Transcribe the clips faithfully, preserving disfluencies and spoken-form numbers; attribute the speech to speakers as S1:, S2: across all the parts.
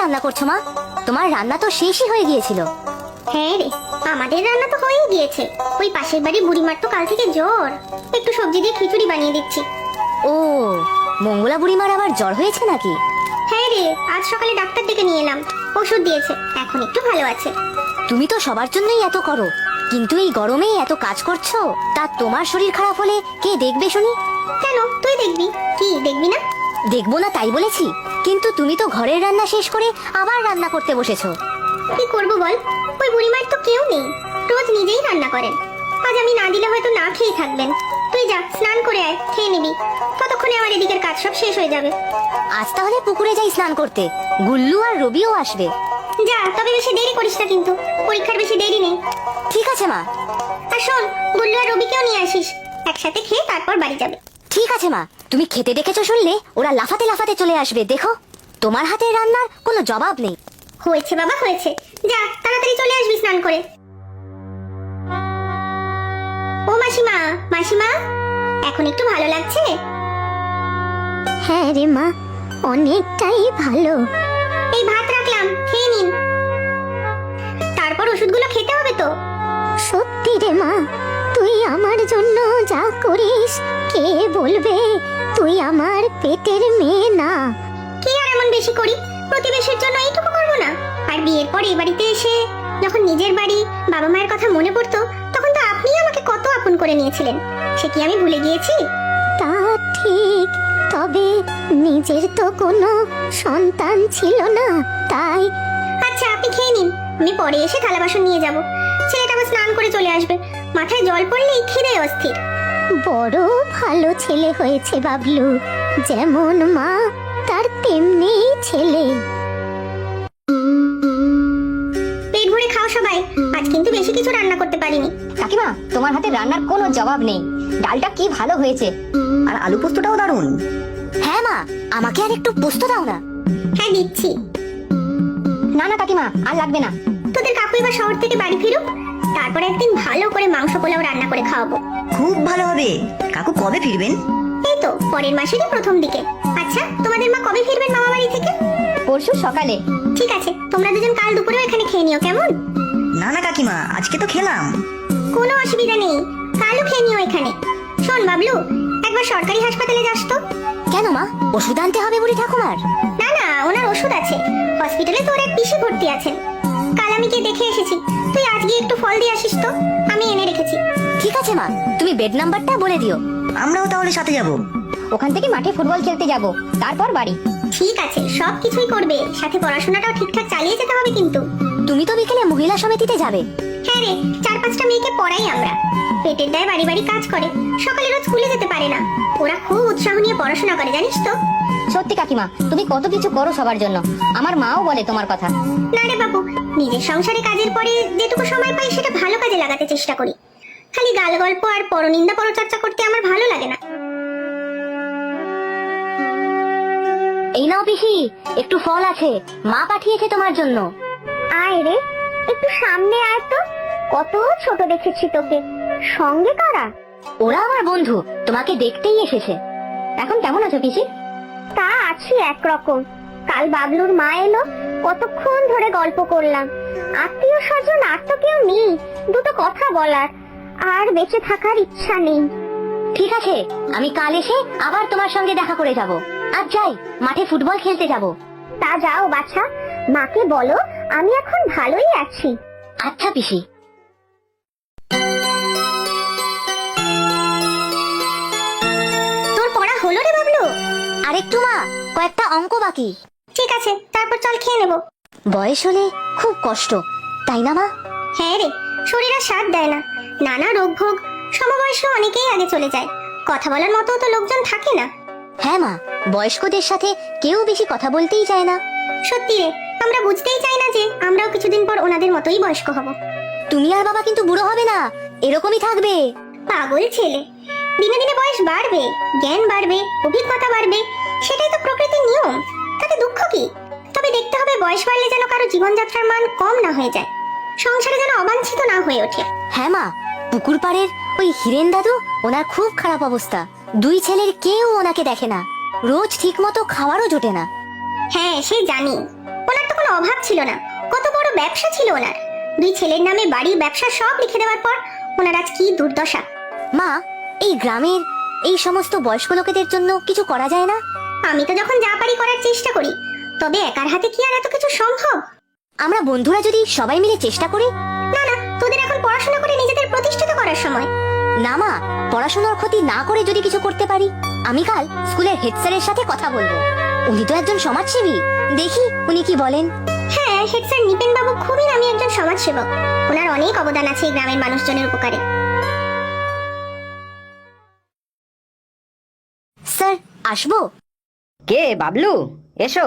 S1: রান্না করছো মা? তোমার রান্না তো শেষই হয়ে গিয়েছিল।
S2: হ্যাঁ রে, আমাদের রান্না তো হয়েই গিয়েছে। ওই পাশের বাড়ি বুড়িমার তো কাল থেকে জ্বর, একটু সবজি দিয়ে খিচুড়ি বানিয়ে দিচ্ছি।
S1: ও, মঙ্গলা বুড়িমার আবার জ্বর হয়েছে নাকি?
S2: হ্যাঁ রে, আজ সকালে ডাক্তার ডেকে নিয়ে এলাম, ওষুধ দিয়েছে, এখন একটু ভালো আছে।
S1: তুমি তো সবার জন্যই এত করো, কিন্তু এই গরমে এত কাজ করছো, তা তোমার শরীর খারাপ হলে কে দেখবে শুনি?
S2: কেন, তুই দেখবি? কি দেখবি না?
S1: দেখবো না তাই বলেছি, কিন্তু তুমি তো ঘরের রান্না শেষ করে আবার রান্না করতে বসেছো।
S2: কি করবো বল, ওই বুড়িমার তো কেউ নেই, রোজ নিজেই রান্না করেন। আজ আমি না দিলে হয়তো না খেয়ে থাকবেন। তুই যা, স্নান করে আয়, খেয়ে নিবি, ততক্ষণে আমার এদিকের কাজ সব শেষ হয়ে যাবে।
S1: আজ তাহলে পুকুরে যাই স্নান করতে, গুল্লু আর রবিও আসবে।
S2: যা, তবে বেশি দেরি করিস না কিন্তু, পরীক্ষার বেশি দেরি নেই।
S1: ঠিক আছে মা।
S2: আর শোন, গুল্লু আর রবিকেও নিয়ে আসিস, একসাথে খেয়ে তারপর বাড়ি যাবে।
S1: ঠিক আছে মা, তুমি খেতে ডেকেছো শুনলে ওরা লাফাতে লাফাতে চলে আসবে, দেখো তোমার হাতের রান্নার কোনো জবাব নেই।
S2: হয়েছে বাবা, হয়েছে, যা তাড়াতাড়ি চলে আসবি স্নান করে। ও মাসিমা, মাসিমা, এখন একটু ভালো লাগছে?
S3: হ্যাঁ রে মা, অনেকটাই ভালো।
S2: এই ভাত রাখলাম, খেয়ে নিন, তারপর ওষুধগুলো খেতে হবে তো।
S3: সত্যি রে মা, তুই আমার জন্য যা করিস কে বলবে তুই আমার পেটের মেয়ে না?
S2: কি আর এমন বেশি করি, প্রতিবেশীর জন্য এইটুকু করবো না? আর বিয়ের পর এই বাড়িতে এসে যখন নিজের বাড়ি, বাবা মায়ের কথা মনে পড়তো, তখন তো আপনি আমাকে কত আপন করে নিয়েছিলেন, সে কি আমি ভুলে গিয়েছি?
S3: তা ঠিক, তবে নিজের তো কোনো সন্তান ছিল না, তাই।
S2: আচ্ছা আপনি খেয়ে নিন, আমি পরে এসে থালা বাসন নিয়ে যাব। ছেলেটা আবার স্নান করে চলে আসবে, মাথায় জল পড়লেই খিদে অস্থির।
S3: বড় ভালো ছেলে হয়েছে বাবলু, যেমন মা তার তেমনি ছেলে।
S2: পেট ভরে খাও সবাই, আজ কিন্তু বেশি কিছু রান্না করতে পারিনি।
S1: কাকিমা, তোমার হাতে রান্নার কোনো জবাব নেই, ডালটা কি ভালো হয়েছে,
S4: আর আলু পোস্তটাও দারুণ।
S1: হ্যাঁ মা, আমাকে আর একটু পোস্ত দাও না।
S2: হ্যাঁ দিচ্ছি।
S1: না না কাকিমা, আর লাগবে না।
S2: তোদের কাকু এবার শহর থেকে বাড়ি ফিরুক, তারপর একদিন ভালো করে মাংস পোলাও রান্না করে খাওয়াবো।
S4: খুব ভালো হবে। কাকু কবে ফিরবেন?
S2: এই তো পরের মাসেরই প্রথম দিকে। আচ্ছা, তোমাদের মা কবে ফিরবেন মামা বাড়ি থেকে?
S1: পরশু সকালে।
S2: ঠিক আছে, তোমরা দুজন কাল দুপুরেও এখানে খেয়ে নিও, কেমন?
S4: না না কাকিমা, আজকে তো খেলাম।
S2: কোনো অসুবিধা নেই, কালও খেয়ে নিও এখানে। শোন বাবলু, একবার সরকারি হাসপাতালে যাস তো।
S1: কেন মা, ওষুধ আনতে হবে বুড়ি ঠাকুমার?
S2: না না, ওনার ওষুধ আছে, হসপিটালে তোর এক পিসি ভর্তি আছেন, কাল আমি গিয়ে দেখে এসেছি। তুই আজ গিয়ে একটু ফল দিয়ে আসিস তো, আমি এনে রেখেছি।
S1: ঠিক আছে মা, তুমি বেড নাম্বারটা বলে দিও।
S4: আমরাও তাহলে সাথে যাব।
S1: ওখান থেকে মাঠে ফুটবল খেলতে যাব, তারপর বাড়ি।
S2: ঠিক আছে, সব কিছুই করবে, সাথে পড়াশোনাটাও ঠিকঠাক চালিয়ে যেতে হবে কিন্তু।
S1: তুমি তো বিকেলে মহিলা সমিতিতে যাবে।
S2: হ্যাঁ রে, চার পাঁচটা মেয়েকে পড়াই আমরা, পেটের দায় বাড়ি বাড়ি কাজ করে, সকালে রোজ স্কুলে যেতে পারে না, ওরা খুব উৎসাহ নিয়ে পড়াশোনা করে, জানিস তো।
S1: সত্যি কাকিমা, তুমি কত কিছু করো সবার জন্য, আমার মাও বলে তোমার কথা।
S2: না রে বাবু, নিজের সংসারে কাজের পরে যেটুকু সময় পাই সেটা ভালো কাজে লাগাতে চেষ্টা করি, খালি গাল গল্প আর পরনিন্দা পরচর্চা করতে আমার ভালো লাগে না।
S1: এই নাও পিসি, একটু ফল আছে, মা পাঠিয়েছে তোমার জন্য।
S2: আয় রে, একটু সামনে আয় তো, কত ছোট দেখেছি তোকে, সঙ্গে কারা?
S1: ওরা আমার বন্ধু, তোমাকে দেখতেই এসেছে। এখন কেমন আছো পিসি?
S2: তা আছি একরকম, কাল বাবলুর মা এলো, কতক্ষণ ধরে গল্প করলাম, আত্মীয় স্বজন আর তো কেউ নেই দুটো কথা বলার, আর বেঁচে থাকার ইচ্ছা নেই।
S1: ঠিক আছে, আমি কাল এসে আবার তোমার সঙ্গে দেখা করে যাব। আর যাই, মাঠে ফুটবল খেলতে যাব।
S2: তা যাও বাছা, মাকে বলো আমি এখন ভালোই আছি।
S1: আচ্ছা পিসি।
S2: তোর পড়া হলো রে বাবলু?
S1: আরেকটু মা, কয়েকটা অঙ্ক বাকি।
S2: ঠিক আছে, তারপর চল খেয়ে নেবো।
S1: বয়স হলে খুব কষ্ট, তাই না মা?
S2: হ্যাঁ রে, শরীর আর সাথ দেয় না, নানা রোগ ভোগ, সমবয়সী অনেকেই আগে চলে যায়, কথা বলার মতো তো লোকজন থাকে না।
S1: হ্যাঁ মা, বয়স্কদের সাথে কেউ বেশি কথা বলতেই চায় না।
S2: সত্যি রে, আমরা বুঝতেই চাই না যে আমরাও কিছুদিন পর ওনাদের মতোই বয়স্ক হব।
S1: তুমি আর বাবা কিন্তু বুড়ো হবে না, এরকমই থাকবে।
S2: পাগল ছেলে, দিনে দিনে বয়স বাড়বে, জ্ঞান বাড়বে, অভিজ্ঞতা বাড়বে, সেটাই তো প্রকৃতির নিয়ম, তাতে দুঃখ কি? তবে দেখতে হবে বয়স বাড়লে যেন কারো জীবনযাত্রার মান কম না হয়ে যায়, সংসারে যেন অবাঞ্ছিত না হয়ে ওঠে।
S1: হ্যাঁ মা, পুকুর পাড়ের ওই হিরেন দাদু, ওনার খুব খারাপ অবস্থা, দুই ছেলের কেউ ওনাকে দেখে না, রোজ ঠিক মতো খাওয়ারও জোটে না।
S2: হ্যাঁ সে জানি, ওনার তো কোনো অভাব ছিল না, কত বড় ব্যবসা ছিল ওনার। দুই ছেলের নামে বাড়ি ব্যবসা সব লিখে দেওয়ার পর ওনার আজ কি দুর্দশা।
S1: মা, এই গ্রামের এই সমস্ত বয়স্ক লোকেদের জন্য কিছু করা যায় না?
S2: আমি তো যখন যা পারি করার চেষ্টা করি, তবে একার হাতে কি আর এত কিছু সম্ভব?
S1: আমরা বন্ধুরা যদি সবাই মিলে চেষ্টা করি।
S2: না না, তোদের এখন পড়াশোনা করে নিজেদের প্রতিষ্ঠিত করার সময়।
S1: না মা, পড়াশোনার ক্ষতি না করে যদি কিছু করতে পারি। আমি কাল স্কুলের হেড স্যারের সাথে কথা বলবো। উনি তো একজন সমাজসেবী, দেখি উনি কি বলেন।
S2: হ্যাঁ, হেড স্যার নিপেন বাবু খুবই নামি একজন সমাজসেবক। ওনার অনেক অবদান আছে এই গ্রামের মানুষজনের উপকারে।
S1: স্যার, আসবো?
S5: কে বাবলু? এসো।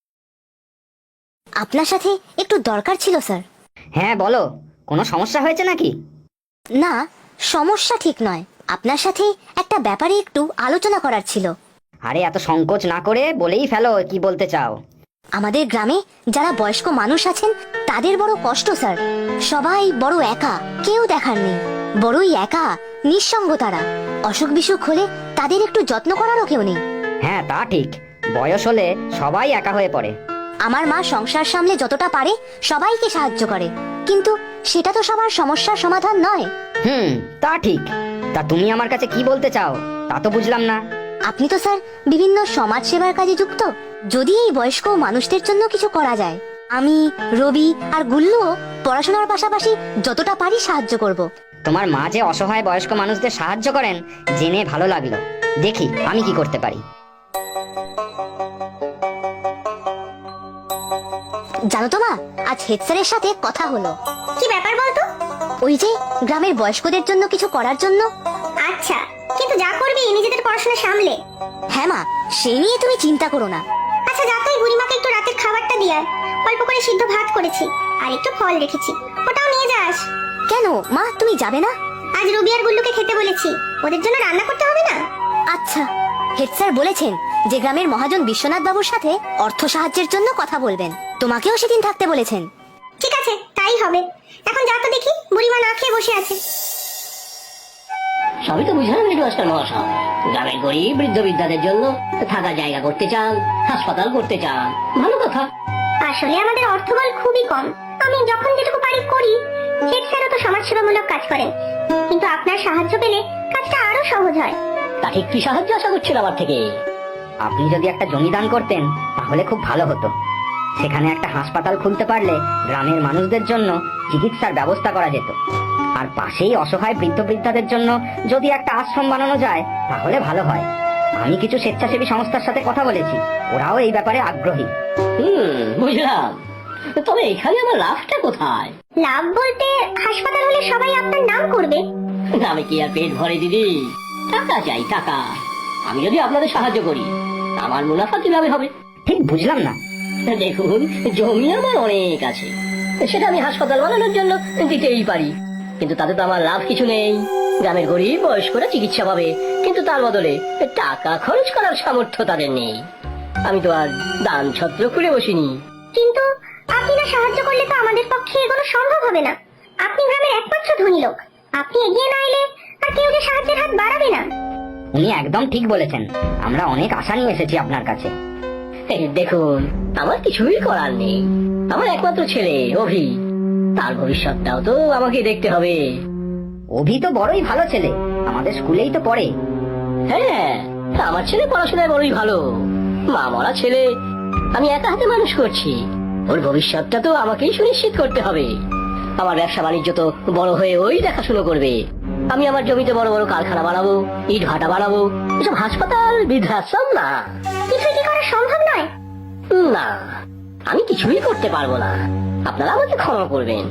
S1: আপনার সাথে একটু দরকার ছিল স্যার।
S5: হ্যাঁ বলো, কোনো সমস্যা হয়েছে নাকি?
S1: না, সমস্যা ঠিক নয়, আপনার সাথে একটা ব্যাপারে একটু আলোচনা করার ছিল।
S5: আরে এত সংকোচ না করে বলেই ফেলো কি বলতে চাও।
S1: আমাদের গ্রামে যারা বয়স্ক মানুষ আছেন তাদের বড় কষ্ট স্যার। সবাই বড় একা, কেউ দেখার নেই, বড়ই একা, নিঃসঙ্গ তারা। অসুখ বিসুখ হলে তাদের একটু যত্ন করারও কেউ নেই।
S5: হ্যাঁ তা ঠিক, বয়স হলে সবাই একা হয়ে পড়ে।
S1: আমার মা সংসার সামলে যতটা পারে সবাইকে সাহায্য করে, কিন্তু সেটা তো সবার সমস্যার সমাধান নয়।
S5: হুম, তা ঠিক। তা তুমি আমার কাছে কি বলতে চাও তা তো বুঝলাম না।
S1: আপনি তো স্যার বিভিন্ন সমাজ সেবার কাজে যুক্ত। যদি এই বয়স্ক মানুষদের জন্য কিছু করা যায়, আমি, রবি আর গুল্লুও পড়াশোনার পাশাপাশি যতটা পারি সাহায্য করব।
S5: তোমার মা যে অসহায় বয়স্ক মানুষদের সাহায্য করেন জেনে ভালো লাগলো। দেখি আমি কি করতে পারি।
S1: জানো তো মা, আজ হেড স্যারের সাথে কথা হলো।
S2: কি ব্যাপার বলতো?
S1: ওই যে গ্রামের বয়স্কদের জন্য কিছু করার জন্য।
S2: আচ্ছা, কিন্তু যা করবি নিজেদের পড়াশোনা সামলে।
S1: হ্যাঁ মা, সেই নিয়ে তুমি চিন্তা করো না।
S2: আচ্ছা, যা তুই বুড়িমাকে একটু রাতের খাবারটা দিয়ে আয়। অল্প করে সিদ্ধ ভাত করেছি আর একটু ফল রেখেছি, ওটাও নিয়ে যাস।
S1: কেন মা, তুমি যাবে না?
S2: আজ রবি আর গুল্লুকে খেতে বলেছি, ওদের জন্য রান্না করতে হবে না।
S1: আচ্ছা, হেড স্যার বলেছেন যে গ্রামের মহাজন বিশ্বনাথ বাবুর সাথে অর্থ সাহায্যের জন্য কথা বলবেন। তোমাকেও সেদিন থাকতে বলেছেন।
S2: ঠিক আছে, তাই হবে। এখন যা তো দেখি, বুড়িমা না খেয়ে বসে আছে।
S6: সবই তো বুঝলাম হেডমাস্টার মহাশয়, গ্রামের গরিব বৃদ্ধ বৃদ্ধাদের জন্য থাকার জায়গা করতে চান, হাসপাতাল করতে চান, ভালো কথা।
S2: আসলে আমাদের অর্থবল খুবই কম, আমি যখন যেটুকু পারি করি। হেড স্যারও তো সমাজসেবামূলক কাজ করেন, কিন্তু আপনার সাহায্য পেলে কাজটা আরো সহজ হয়।
S6: তা ঠিক কি সাহায্য আশা করছেন আমার থেকে?
S5: আপনি যদি একটা জমি দান করতেন তাহলে খুব ভালো হতো। সেখানে একটা হাসপাতাল খুলতে পারলে গ্রামের মানুষদের জন্য চিকিৎসার ব্যবস্থা করা যেত। আর পাশেই অসহায় বৃদ্ধ বৃদ্ধাদের জন্য যদি একটা আশ্রম বানানো যায় তাহলে ভালো হয়। আমি কিছু স্বেচ্ছাসেবী সংস্থার সাথে কথা বলেছি, ওরাও এই ব্যাপারে আগ্রহী।
S6: হুম, বুঝলাম। তবে এখানে আমার লাভটা কোথায়?
S2: লাভ বলতে, হাসপাতাল হলে সবাই আপনার নাম করবে।
S6: আমি কি আর পেট ভরে দিদি? টাকা চাই, টাকা। আমি যদি আপনাদের সাহায্য করি, আমার মুনাফা কিভাবে হবে?
S5: ঠিক বুঝলাম না।
S6: দেখুন, জমি আমার অনেক আছে, সেটা আমি হাসপাতাল বানানোর জন্য দিতেই পারি, কিন্তু তাতে তো আমার লাভ কিছু নেই। গ্রামের গরিব বয়স্করা চিকিৎসা পাবে, কিন্তু তার বদলে টাকা খরচ করার সামর্থ্য তাদের নেই। আমি তো আর দান ছত্র খুলে বসিনি।
S2: কিন্তু আপনি না সাহায্য করলে তো আমাদের পক্ষে এগুলো সম্ভব হবে না। আপনি গ্রামের একমাত্র ধনী লোক, আপনি এগিয়ে না এলে আর কেউ যে সাহায্যের হাত বাড়াবে না।
S5: উনি একদম ঠিক বলেছেন, আমরা অনেক আশা নিয়ে এসেছি আপনার কাছে।
S6: এই দেখুন, আমার কিছুই করার নেই। আমার একমাত্র ছেলে অভি, তার ভবিষ্যৎটাও তো আমাকে দেখতে হবে।
S5: অভি তো বড়ই ভালো ছেলে, আমাদের স্কুলেই তো পড়ে।
S6: হ্যাঁ, আমার ছেলে পড়াশোনায় বড়ই ভালো। মা মরা ছেলে আমি একা হাতে মানুষ করছি, ওর ভবিষ্যৎটা তো আমাকেই সুনিশ্চিত করতে হবে। আমার ব্যবসা বাণিজ্য তো বড় হয়ে ওই দেখাশুনো করবে। আমি আমার জমিতে বড় বড় কারখানা বানাবো, ইট ভাটা বানাবো, এসব হাসপাতাল বৃদ্ধাশ্রম না।
S2: কিছুই কি করা সম্ভব নয়?
S6: না, আমি কিছুই করতে পারবো না, আপনারা আমাকে ক্ষমা করবেন।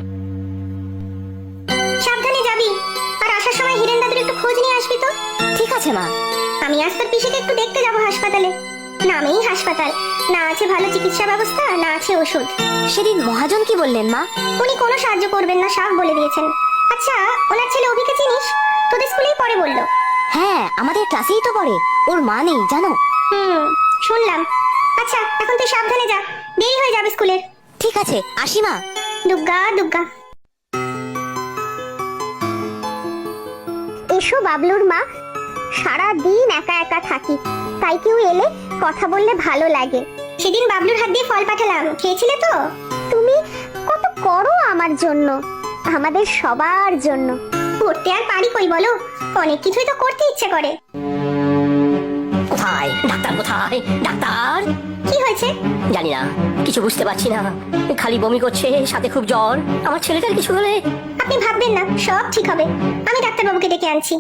S2: সাবধানে যাবি, আর আসার সময় হিরেন দাদুর একটু খোঁজ নিয়ে আসবি তো।
S1: ঠিক আছে মা।
S2: আমি আজ তোর পিসিকে একটু দেখতে যাবো হাসপাতালে। নামেই হাসপাতাল, না আছে ভালো চিকিৎসা ব্যবস্থা, না আছে ওষুধ।
S1: সেদিন মহাজন কি বললেন মা?
S2: উনি কোনো সাহায্য করবেন না, সাফ বলে দিয়েছেন। আচ্ছা, ওনার ছেলে অভিকে চিনিস? তোদের স্কুলেই পড়ে বললো।
S1: হ্যাঁ, আমাদের ক্লাসেই তো পড়ে। ওর মা নেই জানো?
S2: হুম, শুনলাম। আচ্ছা, এখন তুই সাবধানে যা, দেরি হয়ে যাবে স্কুলের।
S1: ঠিক আছে, আসি মা।
S2: দুগ্গা দুগ্গা। এসো বাবলুর মা, সারা দিন একা একা থাকি, তাই কেউ এলে কথা বললে ভালো লাগে। সেদিন বাবলুর হাত দিয়ে ফল পাঠালাম, খেয়েছিলে তো?
S3: তুমি কত করো আমার জন্য, আমাদের সবার জন্য।
S2: করতে আর পারি কই বলো, অনেক কিছুই তো করতে ইচ্ছে করে।
S6: কোথায় ডাক্তার, কোথায় ডাক্তার?
S2: কি হয়েছে?
S6: জানি না, কিছু বুঝতে পারছি না, খালি বমি করছে, সাথে খুব জ্বর। আমার ছেলেটার কিছু হলে?
S2: আপনি ভাববেন না, সব ঠিক হবে। আমি ডাক্তারবাবুকে ডেকে আনছি।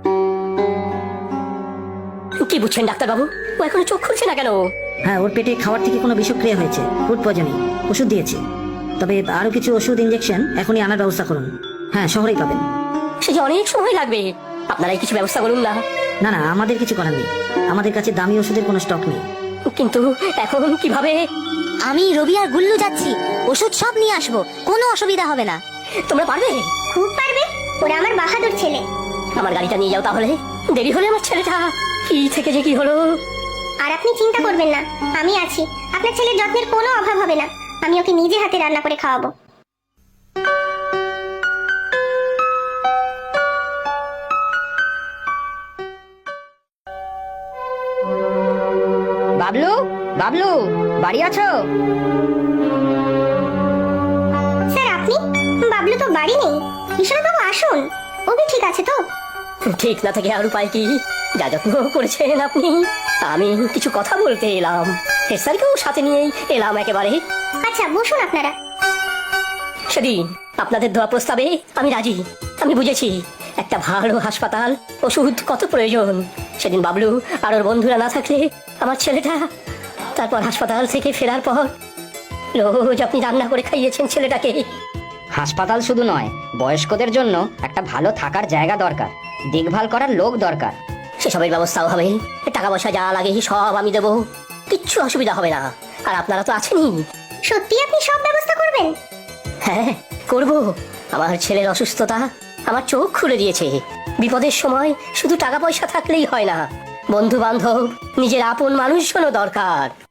S6: কি বুঝছেন ডাক্তার বাবু? ও এখনো চোখ খুলছে না কেন?
S4: হ্যাঁ, ওর পেটে খাওয়ার থেকে কোনো বিষক্রিয়া হয়েছে, ফুড পয়জনিং। ওষুধ দিয়েছি, তবে আরো কিছু ওষুধ ইঞ্জেকশন এখনই আনার ব্যবস্থা করুন। হ্যাঁ, শহরেই পাবেন।
S6: সে যে অনেক সময় লাগবে, আপনারাই কিছু ব্যবস্থা করুন না।
S4: না না, আমাদের কিছু করার নেই, আমাদের কাছে দামি ওষুধের কোনো স্টক নেই।
S6: কিন্তু এখন কিভাবে?
S1: আমি রবি আর গুল্লু যাচ্ছি, ওষুধ সব নিয়ে আসবো, কোনো অসুবিধা হবে না।
S6: তোমরা পারবে?
S2: খুব পারবে, ওরা আমার বাহাদুর ছেলে।
S6: আমার গাড়িটা নিয়ে যাও তাহলে, দেরি হলে আমার ছেলেটা কি থেকে যে কি হলো।
S2: আর আপনি চিন্তা করবেন না, আমি আছি। আপনার ছেলের যত্নের কোনো অভাব হবে না। আমি ওকে নিজে হাতে রান্না করে খাওয়াবো।
S5: বাবলু, বাবলু, বাড়ি আছো?
S2: স্যার আপনি? বাবলু তো বাড়ি নেই। বিশ্বনাথবাবু আসুন, ওকে ঠিক আছে তো?
S6: ঠিক না থেকে আর উপায় কি? যা যত্ন করেছেন আপনি। আমি কিছু কথা বলতে এলাম, হেড স্যারকেও সাথে নিয়েই এলাম একেবারে।
S2: আচ্ছা বসুন আপনারা।
S6: সেদিন আপনাদের দেওয়া প্রস্তাবে আমি রাজি। আমি বুঝেছি একটা ভালো হাসপাতাল, ওষুধ কত প্রয়োজন। সেদিন বাবলু আর ওর বন্ধুরা না থাকলে আমার ছেলেটা, তারপর হাসপাতাল থেকে ফেরার পর রোজ আপনি রান্না করে খাইয়েছেন ছেলেটাকে।
S5: হাসপাতাল শুধু নয়, বয়স্কদের জন্য একটা ভালো থাকার জায়গা দরকার, দেখভাল করার লোক দরকার।
S6: সেসবের ব্যবস্থাও হবে, টাকা পয়সা যা লাগে সব আমি দেবো, কিচ্ছু অসুবিধা হবে না। আর আপনারা তো আছেনই।
S2: সত্যি আপনি সব ব্যবস্থা করবেন?
S6: হ্যাঁ করব। আমার ছেলের অসুস্থতা আমার চোখ খুলে দিয়েছে। বিপদের সময় শুধু টাকা পয়সা থাকলেই হয় না, বন্ধু বান্ধব, নিজের আপন মানুষজনও দরকার।